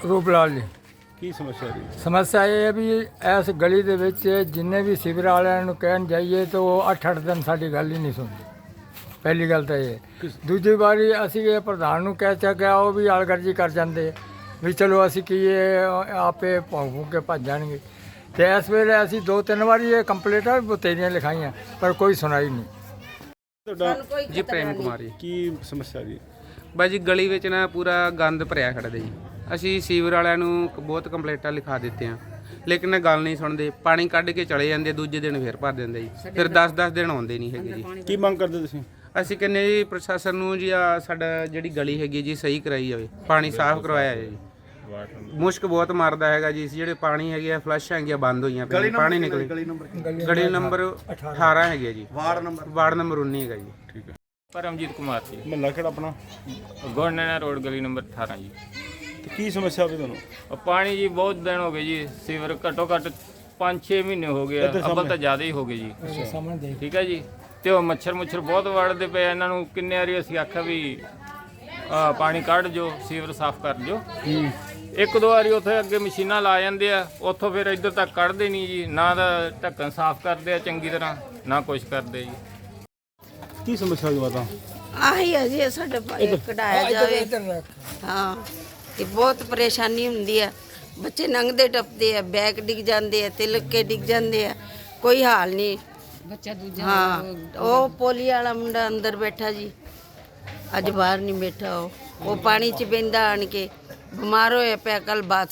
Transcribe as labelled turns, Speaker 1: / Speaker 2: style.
Speaker 1: ਰੂਪਲਾਲ ਜੀ।
Speaker 2: ਕੀ ਸਮੱਸਿਆ ਜੀ?
Speaker 1: ਸਮੱਸਿਆ ਇਹ ਹੈ ਵੀ ਇਸ ਗਲੀ ਦੇ ਵਿੱਚ ਜਿੰਨੇ ਵੀ ਸਿਵਰ ਵਾਲਿਆਂ ਨੂੰ ਕਹਿਣ ਜਾਈਏ ਤਾਂ ਉਹ 8-8 ਦਿਨ ਸਾਡੀ ਗੱਲ ਹੀ ਨਹੀਂ ਸੁਣਦੇ। ਪਹਿਲੀ ਗੱਲ ਤਾਂ ਇਹ। ਦੂਜੀ ਵਾਰੀ ਅਸੀਂ ਇਹ ਪ੍ਰਧਾਨ ਨੂੰ ਕਹਿ ਚੱਕਿਆ, ਉਹ ਵੀ ਆਲਗਰਜੀ ਕਰ ਜਾਂਦੇ ਵੀ ਚਲੋ ਅਸੀਂ ਕੀ ਇਹ ਆਪੇ ਭੌਂ ਕੇ ਭੱਜ ਜਾਣਗੇ। ਅਤੇ ਇਸ ਵੇਲੇ ਅਸੀਂ 2-3 ਵਾਰੀ ਇਹ ਕੰਪਲੇਂਟਾਂ ਵੀ ਬਥੇਰੀਆਂ ਲਿਖਾਈਆਂ ਪਰ ਕੋਈ ਸੁਣਾਈ ਨਹੀਂ।
Speaker 2: ਤੁਹਾਡਾ
Speaker 3: ਜੀ ਪ੍ਰੇਮ ਕੁਮਾਰ ਜੀ।
Speaker 2: ਕੀ ਸਮੱਸਿਆ ਜੀ?
Speaker 3: ਬਾਈ ਜੀ ਗਲੀ ਵਿੱਚ ਨਾ ਪੂਰਾ ਗੰਦ ਭਰਿਆ ਖੜਦਾ ਜੀ। ਅਸੀਂ ਸੀਵਰ ਵਾਲਿਆਂ ਨੂੰ ਬਹੁਤ ਕੰਪਲੇਂਟਾਂ ਲਿਖਾ ਦਿੱਤੀਆਂ ਲੇਕਿਨ ਗੱਲ ਨਹੀਂ ਸੁਣਦੇ। ਪਾਣੀ ਕੱਢ ਕੇ ਚਲੇ ਜਾਂਦੇ, ਦੂਜੇ ਦਿਨ ਫਿਰ ਭਰ ਦਿੰਦੇ ਜੀ। ਫਿਰ 10-10 ਦਿਨ ਆਉਂਦੇ ਨਹੀਂ ਹੈਗੇ ਜੀ।
Speaker 2: ਕੀ ਮੰਗ ਕਰਦੇ ਤੁਸੀਂ?
Speaker 3: ਅਸੀਂ ਕਹਿੰਦੇ ਜੀ ਪ੍ਰਸ਼ਾਸਨ ਨੂੰ ਜੀ ਆ ਸਾਡਾ ਜਿਹੜੀ ਗਲੀ ਹੈਗੀ ਜੀ ਸਹੀ ਕਰਾਈ ਜਾਵੇ, ਪਾਣੀ ਸਾਫ਼ ਕਰਵਾਇਆ ਜਾਵੇ ਜੀ। ਮੁਸ਼ਕ ਬਹੁਤ ਮਾਰਦਾ ਹੈਗਾ ਜੀ। ਜਿਹੜੇ ਪਾਣੀ ਹੈਗੇ ਆ ਫਲੱਸ਼ ਹੈਗੀਆਂ ਬੰਦ ਹੋਈਆਂ ਪਈਆਂ, ਪਾਣੀ ਨਿਕਲੇ। ਗਲੀ ਨੰਬਰ 18 ਹੈਗੀ ਹੈ ਜੀ। ਵਾਰਡ ਨੰਬਰ 19 ਹੈਗਾ ਜੀ।
Speaker 2: ਠੀਕ ਹੈ।
Speaker 4: ਪਰਮਜੀਤ ਕੁਮਾਰ ਜੀ,
Speaker 2: ਮਹੱਲਾ ਕਿਹੜਾ ਆਪਣਾ?
Speaker 4: ਗੋਨੈਣਾ ਰੋਡ ਗਲੀ ਨੰਬਰ 18 ਜੀ।
Speaker 2: ਤੇ ਕੀ ਸਮੱਸਿਆ ਹੋਵੇ ਤੁਹਾਨੂੰ?
Speaker 4: ਪਾਣੀ ਜੀ ਬਹੁਤ ਦਿਨ ਹੋ ਗਏ ਜੀ। ਸੀਵਰ ਘੱਟੋ ਘੱਟ 5-6 ਮਹੀਨੇ ਹੋ ਗਏ ਆ, ਅੱਬਲ ਤਾਂ ਜ਼ਿਆਦਾ ਹੀ ਹੋ ਗਏ ਜੀ। ਠੀਕ ਹੈ ਜੀ। ਤੇ ਉਹ ਮੱਛਰ ਬਹੁਤ ਵੜਦੇ ਪਏ ਇਹਨਾਂ ਨੂੰ। ਕਿੰਨੇ ਵਾਰੀ ਅਸੀਂ ਆਖਿਆ ਵੀ ਪਾਣੀ ਕੱਢ ਜੋ, ਸੀਵਰ ਸਾਫ਼ ਕਰ ਜੋ। ਇੱਕ ਦੋ ਵਾਰੀ ਉੱਥੇ ਅੱਗੇ ਮਸ਼ੀਨਾਂ ਲਾ ਜਾਂਦੇ ਆ, ਉੱਥੋਂ ਫਿਰ ਇੱਧਰ ਤੱਕ ਕੱਢਦੇ ਨਹੀਂ ਜੀ। ਨਾ ਦਾ ਢੱਕਣ ਸਾਫ਼ ਕਰਦੇ ਆ ਚੰਗੀ ਤਰ੍ਹਾਂ, ਨਾ ਕੁਛ ਕਰਦੇ ਜੀ।
Speaker 2: ਕੀ ਸਮੱਸਿਆ ਜੀ ਮਾਤਾ?
Speaker 5: ਆਹੀ ਹੈ ਜੀ, ਸਾਡਾ ਭਾਈ ਕਢਾਇਆ ਜਾਵੇ। ਹਾਂ, ਇਹ ਬਹੁਤ ਪਰੇਸ਼ਾਨੀ ਹੁੰਦੀ ਹੈ। ਬੱਚੇ ਲੰਘਦੇ ਟੱਪਦੇ ਆ, ਬੈਗ ਡਿੱਗ ਜਾਂਦੇ ਆ, ਤਿਲਕ ਕੇ ਡਿੱਗ ਜਾਂਦੇ ਆ, ਕੋਈ ਹਾਲ ਨਹੀਂ। ਬੱਚਾ ਦੂਜਾ ਹਾਂ, ਉਹ ਪੋਲੀ ਵਾਲਾ ਮੁੰਡਾ ਅੰਦਰ ਬੈਠਾ ਜੀ, ਅੱਜ ਬਾਹਰ ਨਹੀਂ ਬੈਠਾ। ਉਹ ਪਾਣੀ 'ਚ ਬਹਿੰਦਾ ਆਣ ਕੇ, ਬਿਮਾਰ ਹੋਇਆ ਪਿਆ। ਕੱਲ ਬਾਤ